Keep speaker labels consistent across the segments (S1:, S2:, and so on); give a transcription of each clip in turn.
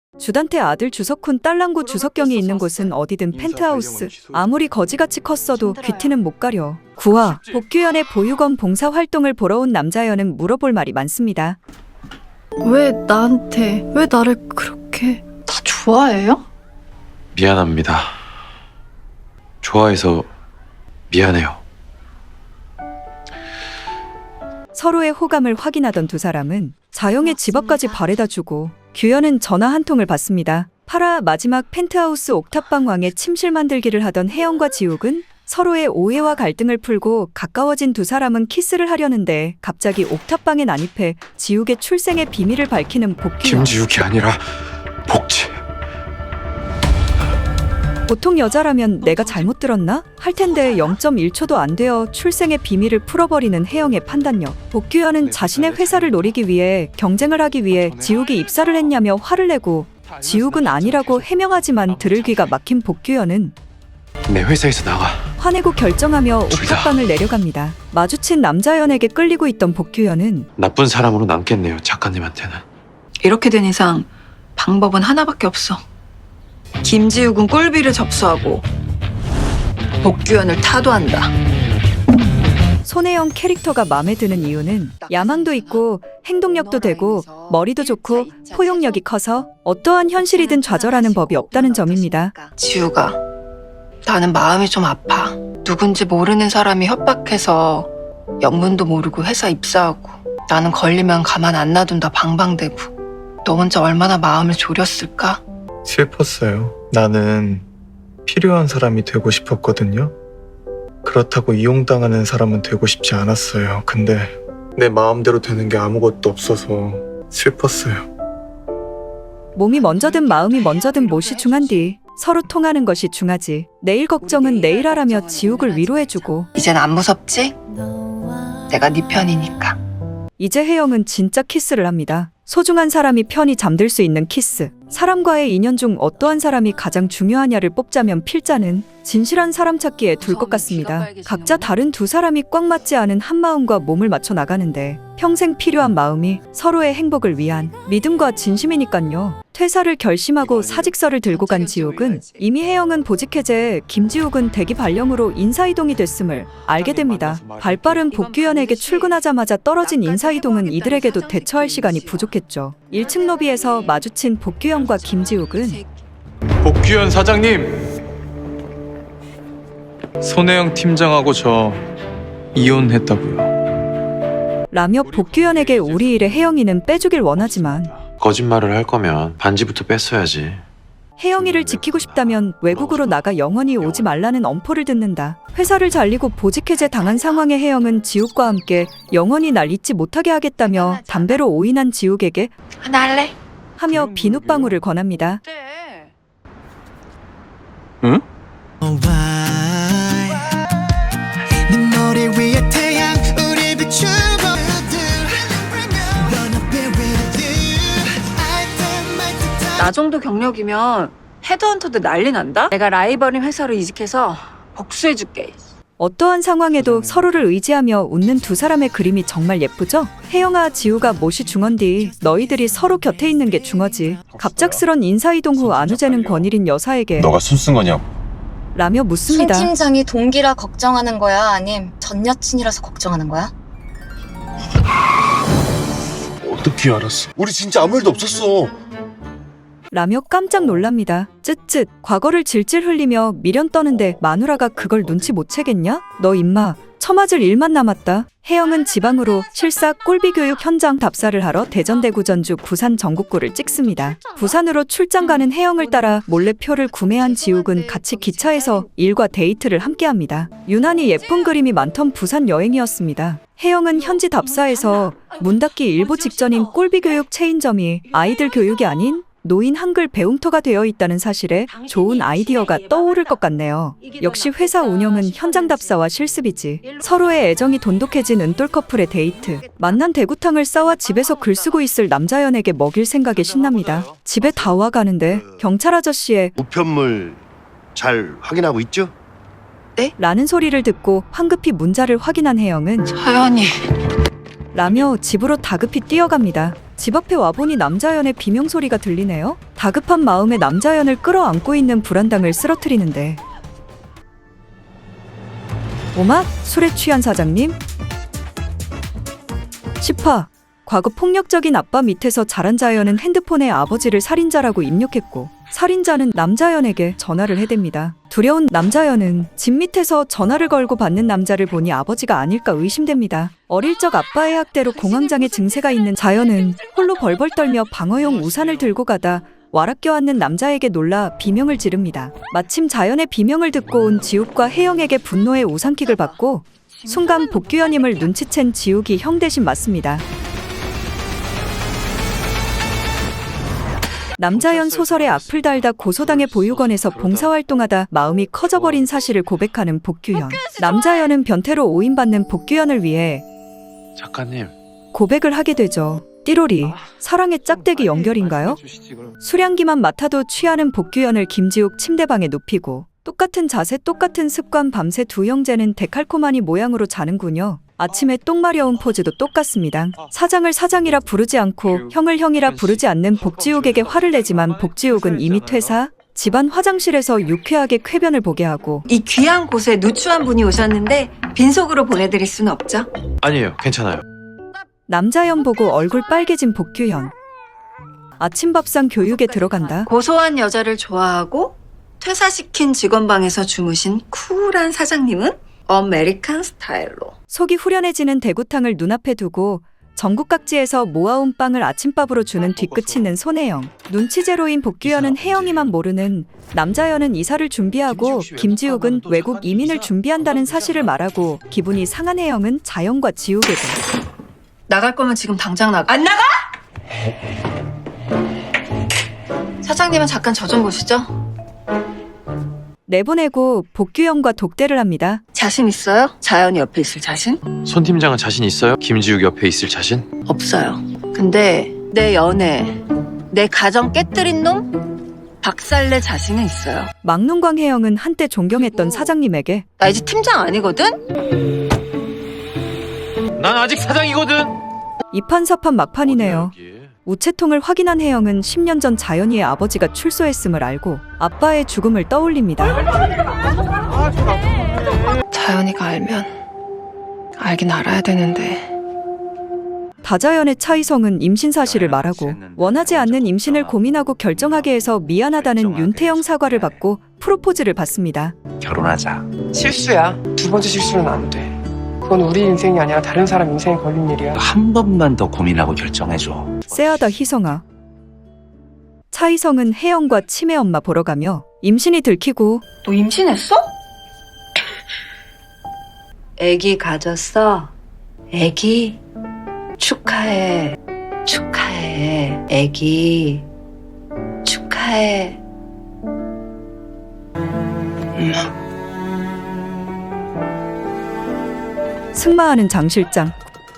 S1: 주단태 아들 주석훈 딸랑구 주석경이 있는 곳은 어디든 펜트하우스. 아무리 거지같이 컸어도 귀티는 못 가려. 9화 복규현의 보육원 봉사활동을 보러 온 남자연은 물어볼 말이 많습니다.
S2: 왜 나를 그렇게 다 좋아해요?
S3: 미안합니다. 좋아해서 미안해요.
S1: 서로의 호감을 확인하던 두 사람은 자영의 집 앞까지 바래다주고 규현은 전화 한 통을 받습니다. 8화 마지막 펜트하우스 옥탑방왕의 침실 만들기를 하던 혜영과 지욱은 서로의 오해와 갈등을 풀고 가까워진 두 사람은 키스를 하려는데 갑자기 옥탑방에 난입해 지욱의 출생의 비밀을 밝히는 복규현.
S3: 김지욱이 아니라 복지.
S1: 보통 여자라면 내가 잘못 들었나? 할 텐데 0.1초도 안 되어 출생의 비밀을 풀어버리는 혜영의 판단력. 복규현은 자신의 회사를 노리기 위해 경쟁을 하기 위해 지욱이 입사를 했냐며 화를 내고 지욱은 아니라고 해명하지만 들을 귀가 막힌 복규현은
S3: 내 회사에서 나가.
S1: 화내고 결정하며 옥탑방을 내려갑니다. 마주친 남자연에게 끌리고 있던 복규현은
S3: 나쁜 사람으로 남겠네요, 작가님한테는.
S2: 이렇게 된 이상 방법은 하나밖에 없어. 김지욱은 꼴비를 접수하고 복규현을 타도한다.
S1: 손혜영 캐릭터가 마음에 드는 이유는 야망도 있고 행동력도 되고 머리도 좋고 포용력이 커서 어떠한 현실이든 좌절하는 법이 없다는 점입니다.
S2: 지우가, 나는 마음이 좀 아파. 누군지 모르는 사람이 협박해서 영문도 모르고 회사 입사하고 나는 걸리면 가만 안 놔둔다 방방대고. 너 혼자 얼마나 마음을 졸였을까?
S4: 슬펐어요. 나는 필요한 사람이 되고 싶었거든요. 그렇다고 이용당하는 사람은 되고 싶지 않았어요. 근데 내 마음대로 되는 게 아무것도 없어서 슬펐어요.
S1: 몸이 먼저든 마음이 먼저든 못이 중한 뒤 서로 통하는 것이 중하지. 내일 걱정은 내일 하라며 지욱을 위로해주고
S2: 이젠 안 무섭지? 내가 네 편이니까.
S1: 이제 혜영은 진짜 키스를 합니다. 소중한 사람이 편히 잠들 수 있는 키스. 사람과의 인연 중 어떠한 사람이 가장 중요하냐를 뽑자면 필자는 진실한 사람 찾기에 둘 것 같습니다. 각자 다른 두 사람이 꽉 맞지 않은 한 마음과 몸을 맞춰 나가는데 평생 필요한 마음이 서로의 행복을 위한 믿음과 진심이니깐요. 퇴사를 결심하고 사직서를 들고 간 지욱은 이미 혜영은 보직 해제, 김지욱은 대기 발령으로 인사이동이 됐음을 알게 됩니다. 발빠른 복규현에게 출근하자마자 떨어진 인사이동은 이들에게도 대처할 시간이 부족했죠. 1층 로비에서 마주친 복규현과 김지욱은
S4: 복규현 사장님! 손혜영 팀장하고 저 이혼했다고요.
S1: 라며 복규현에게 우리 일에 혜영이는 빼주길 원하지만
S3: 거짓말을 할 거면 반지부터 뺐어야지.
S1: 혜영이를 지키고 싶다면 외국으로 나가 영원히 오지 말라는 엄포를 듣는다. 회사를 잘리고 보직 해제 당한 상황의 혜영은 지욱과 함께 영원히 날 잊지 못하게 하겠다며 담배로 오인한 지욱에게
S2: 하나 할래?
S1: 하며 비눗방울을 권합니다.
S3: 응?
S2: 나 정도 경력이면 헤드헌터도 난리 난다? 내가 라이벌인 회사로 이직해서 복수해줄게.
S1: 어떠한 상황에도 서로를 의지하며 웃는 두 사람의 그림이 정말 예쁘죠? 혜영아 지우가 못이 중헌 뒤 너희들이 서로 곁에 있는 게 중허지. 갑작스런 인사이동 후 안우재는 권일인 여사에게
S5: 너가 손 쓴 거냐고.
S1: 라며 묻습니다.
S6: 손 팀장이 동기라 걱정하는 거야? 아님 전 여친이라서 걱정하는 거야?
S5: 어떻게 알았어? 우리 진짜 아무 일도 없었어.
S1: 라며 깜짝 놀랍니다. 쯧쯧 과거를 질질 흘리며 미련 떠는데 마누라가 그걸 눈치 못 채겠냐? 너 임마 처맞을 일만 남았다. 혜영은 지방으로 실사 꼴비교육 현장 답사를 하러 대전 대구 전주 부산 전국구를 찍습니다. 부산으로 출장 가는 혜영을 따라 몰래 표를 구매한 지욱은 같이 기차에서 일과 데이트를 함께합니다. 유난히 예쁜 그림이 많던 부산 여행이었습니다. 혜영은 현지 답사에서 문 닫기 일보 직전인 꼴비교육 체인점이 아이들 교육이 아닌 노인 한글 배움터가 되어 있다는 사실에 좋은 아이디어가 떠오를 것 같네요. 역시 회사 운영은 현장 답사와 실습이지. 서로의 애정이 돈독해진 은돌 커플의 데이트. 만난 대구탕을 싸와 집에서 글 쓰고 있을 남자연에게 먹일 생각에 신납니다. 집에 다 와가는데 경찰 아저씨의
S7: 우편물 잘 확인하고 있죠?
S1: 라는 소리를 듣고 황급히 문자를 확인한 혜영은
S2: 서연이.
S1: 라며 집으로 다급히 뛰어갑니다. 집 앞에 와보니 남자연의 비명소리가 들리네요. 다급한 마음에 남자연을 끌어안고 있는 불안당을 쓰러뜨리는데 오마? 술에 취한 사장님? 10화 과거 폭력적인 아빠 밑에서 자란 자연은 핸드폰에 아버지를 살인자라고 입력했고 살인자는 남자연에게 전화를 해댑니다. 두려운 남자연은 집 밑에서 전화를 걸고 받는 남자를 보니 아버지가 아닐까 의심됩니다. 어릴 적 아빠의 학대로 공황장애 증세가 있는 자연은 홀로 벌벌 떨며 방어용 우산을 들고 가다 와락 껴안는 남자에게 놀라 비명을 지릅니다. 마침 자연의 비명을 듣고 온 지욱과 혜영에게 분노의 우산킥을 받고 순간 복규현임을 눈치챈 지욱이 형 대신 맞습니다. 남자연 소설의 앞을 달다 고소당해 보육원에서 봉사활동하다 마음이 커져버린 사실을 고백하는 복규현. 남자연은 변태로 오인받는 복규현을 위해
S3: 작가님.
S1: 고백을 하게 되죠. 띠로리, 사랑의 짝대기 연결인가요? 수량기만 맡아도 취하는 복규현을 김지욱 침대방에 눕히고 똑같은 자세 똑같은 습관 밤새 두 형제는 데칼코마니 모양으로 자는군요. 아침에 똥 마려운 포즈도 똑같습니다. 사장을 사장이라 부르지 않고 형을 형이라 부르지 않는 복지욱에게 화를 내지만 복지욱은 이미 퇴사, 집안 화장실에서 유쾌하게 쾌변을 보게 하고
S8: 이 귀한 곳에 누추한 분이 오셨는데 빈속으로 보내드릴 수는 없죠?
S3: 아니에요. 괜찮아요.
S1: 남자연 보고 얼굴 빨개진 복규현. 아침밥상 교육에 들어간다.
S8: 고소한 여자를 좋아하고 퇴사시킨 직원방에서 주무신 쿨한 사장님은 아메리칸 스타일로.
S1: 속이 후련해지는 대구탕을 눈앞에 두고 전국 각지에서 모아온 빵을 아침밥으로 주는 뒤끝이는 손혜영. 눈치 제로인 복규현은 혜영이만 모르는 남자연은 이사를 준비하고 김지욱은 외국 이민을 준비한다는 사실을 말하고 기분이 상한 혜영은 자연과 지욱에게
S2: 나갈 거면 지금 당장 나가.
S8: 안 나가?
S2: 사장님은 잠깐 저 좀 보시죠.
S1: 내보내고 복규현과 독대를 합니다.
S8: 자신 있어요? 자연이 옆에 있을 자신?
S3: 손 팀장은 자신 있어요? 김지욱 옆에 있을 자신?
S8: 없어요. 근데 내 연애, 내 가정 깨뜨린 놈 박살내 자신은 있어요.
S1: 막눈광 혜영은 한때 존경했던 사장님에게
S8: 나 이제 팀장 아니거든?
S3: 난 아직 사장이거든.
S1: 이판사판 막판이네요.
S3: 어디야, 여기?
S1: 우체통을 확인한 혜영은 10년 전 자연이의 아버지가 출소했음을 알고 아빠의 죽음을 떠올립니다.
S2: 자연이가 알면 알긴 알아야 되는데.
S1: 다자연의 차이성은 임신 사실을 말하고 원하지 않는 임신을 고민하고 결정하게 해서 미안하다는 윤태영 사과를 받고 프로포즈를 받습니다.
S9: 결혼하자.
S10: 실수야. 두 번째 실수는 안 돼. 그건 우리 인생이 아니라 다른 사람 인생에 걸린 일이야.
S9: 한 번만 더 고민하고 결정해줘.
S1: 쎄하다 희성아. 차이성은 혜영과 치매 엄마 보러 가며 임신이 들키고
S8: 너 임신했어? 애기 가졌어? 애기? 축하해. 축하해. 애기. 축하해.
S1: 승마하는 장 실장.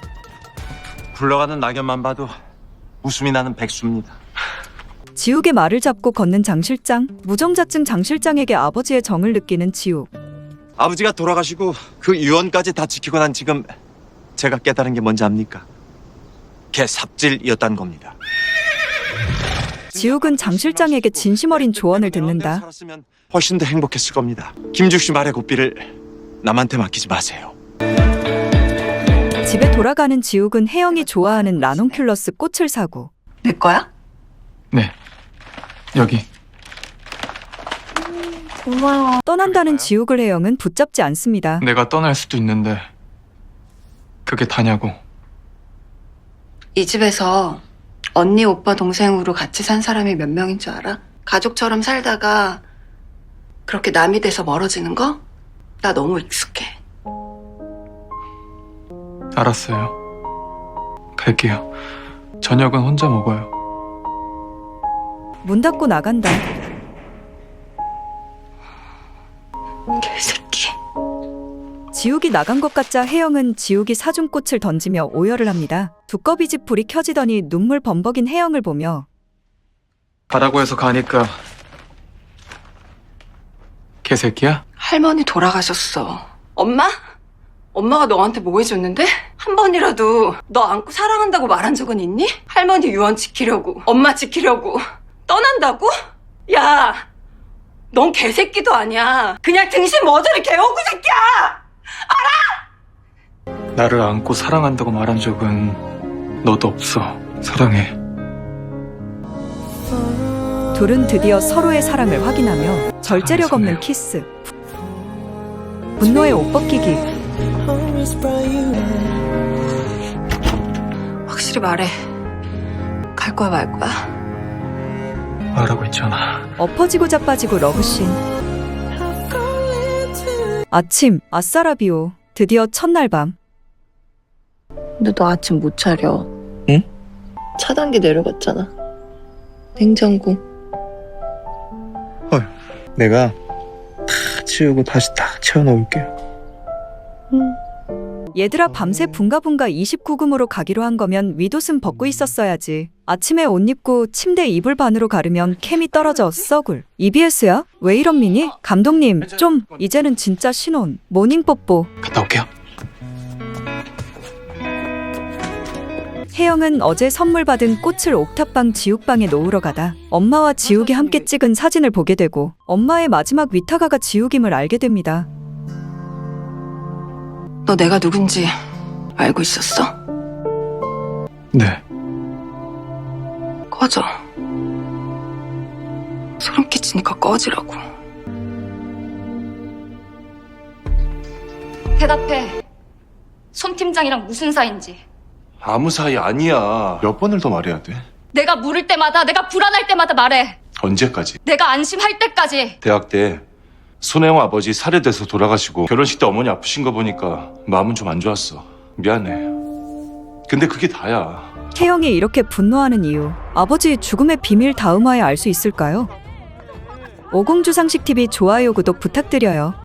S9: 굴러가는 낙엽만 봐도 웃음이 나는 백수입니다.
S1: 지욱의 말을 잡고 걷는 장 실장. 무정자증 장 실장에게 아버지의 정을 느끼는 지욱.
S9: 아버지가 돌아가시고 그 유언까지 다 지키고 난 지금 제가 깨달은 게 뭔지 압니까? 걔 삽질이었다는 겁니다.
S1: 지욱은 장 실장에게 진심 어린 조언을 듣는다.
S9: 살았으면 훨씬 더 행복했을 겁니다. 김죽 씨 말의 고삐를 남한테 맡기지 마세요.
S1: 집에 돌아가는 지욱은 혜영이 좋아하는 라논큘러스 꽃을 사고
S8: 내 거야?
S10: 네. 여기.
S8: 고마워.
S1: 떠난다는 지욱을 혜영은 붙잡지 않습니다.
S10: 내가 떠날 수도 있는데 그게 다냐고.
S2: 이 집에서 언니, 오빠, 동생으로 같이 산 사람이 몇 명인 줄 알아? 가족처럼 살다가 그렇게 남이 돼서 멀어지는 거? 나 너무 익숙해.
S10: 알았어요. 갈게요. 저녁은 혼자 먹어요.
S1: 문 닫고 나간다.
S8: 개새끼.
S1: 지욱이 나간 것 같자 혜영은 지욱이 사준 꽃을 던지며 오열을 합니다. 두꺼비 집 불이 켜지더니 눈물 범벅인 혜영을 보며
S10: 가라고 해서 가니까 개새끼야?
S2: 할머니 돌아가셨어. 엄마? 엄마가 너한테 뭐 해줬는데?
S8: 한 번이라도 너 안고 사랑한다고 말한 적은 있니? 할머니 유언 지키려고, 엄마 지키려고 떠난다고? 야, 넌 개새끼도 아니야. 그냥 등신 머저리 개호구 새끼야!
S4: 나를 안고 사랑한다고 말한 적은 너도 없어. 사랑해.
S1: 둘은 드디어 서로의 사랑을 확인하며 절제력 없는 키스. 분노의 옷 벗기기.
S2: 확실히 말해. 갈 거야 말 거야?
S4: 말하고 있잖아.
S1: 엎어지고 자빠지고 러브씬. 아침, 아싸라비오. 드디어 첫날 밤.
S2: 근데 너 아침 못 차려.
S4: 응?
S2: 차단기 내려갔잖아. 냉장고.
S4: 내가 다 치우고 다시 딱 채워놓을게.
S1: 얘들아 밤새 붕가붕가 29금으로 가기로 한 거면 윗옷은 벗고 있었어야지. 아침에 옷 입고 침대 이불 반으로 가르면 캠이 떨어져 썩을. EBS야? 왜 이런 미니? 감독님 좀 이제는 진짜 신혼. 모닝 뽀뽀.
S4: 갔다 올게요.
S1: 혜영은 어제 선물 받은 꽃을 옥탑방 지욱방에 놓으러 가다 엄마와 지욱이 함께 찍은 사진을 보게 되고 엄마의 마지막 위탁아가 지욱임을 알게 됩니다.
S2: 너 내가 누군지 알고 있었어?
S4: 네.
S2: 꺼져. 소름 끼치니까 꺼지라고.
S6: 대답해. 손 팀장이랑 무슨 사이인지.
S5: 아무 사이 아니야. 몇 번을 더 말해야 돼?
S6: 내가 물을 때마다, 내가 불안할 때마다 말해.
S5: 언제까지?
S6: 내가 안심할 때까지.
S5: 대학 때 손혜영 아버지 살해돼서 돌아가시고 결혼식 때 어머니 아프신 거 보니까 마음은 좀 안 좋았어. 미안해. 근데 그게 다야.
S1: 혜영이 이렇게 분노하는 이유, 아버지의 죽음의 비밀 다음화에 알 수 있을까요? 오공주상식TV 좋아요 구독 부탁드려요.